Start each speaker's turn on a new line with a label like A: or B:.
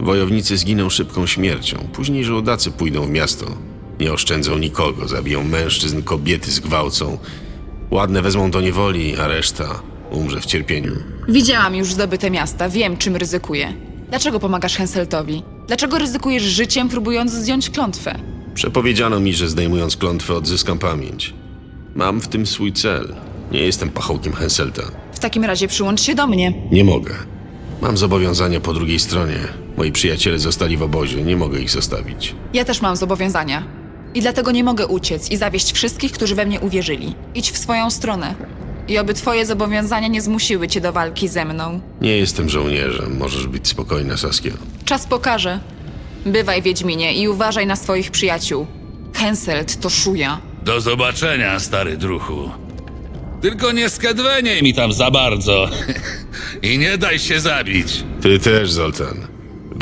A: Wojownicy zginą szybką śmiercią. Później żołdacy pójdą w miasto. Nie oszczędzą nikogo, zabiją mężczyzn, kobiety zgwałcą. Ładne wezmą do niewoli, a reszta umrze w cierpieniu.
B: Widziałam już zdobyte miasta, wiem, czym ryzykuję. Dlaczego pomagasz Henseltowi? Dlaczego ryzykujesz życiem, próbując zdjąć klątwę?
A: Przepowiedziano mi, że zdejmując klątwę odzyskam pamięć. Mam w tym swój cel. Nie jestem pachołkiem Henselta.
B: W takim razie przyłącz się do mnie.
A: Nie mogę. Mam zobowiązania po drugiej stronie. Moi przyjaciele zostali w obozie, nie mogę ich zostawić.
B: Ja też mam zobowiązania. I dlatego nie mogę uciec i zawieść wszystkich, którzy we mnie uwierzyli. Idź w swoją stronę. I oby twoje zobowiązania nie zmusiły cię do walki ze mną.
A: Nie jestem żołnierzem, możesz być spokojna, Saskia.
B: Czas pokaże. Bywaj, Wiedźminie, i uważaj na swoich przyjaciół. Henselt to szuja.
C: Do zobaczenia, stary druhu. Tylko nie skedweniej mi tam za bardzo. I nie daj się zabić.
A: Ty też, Zoltan.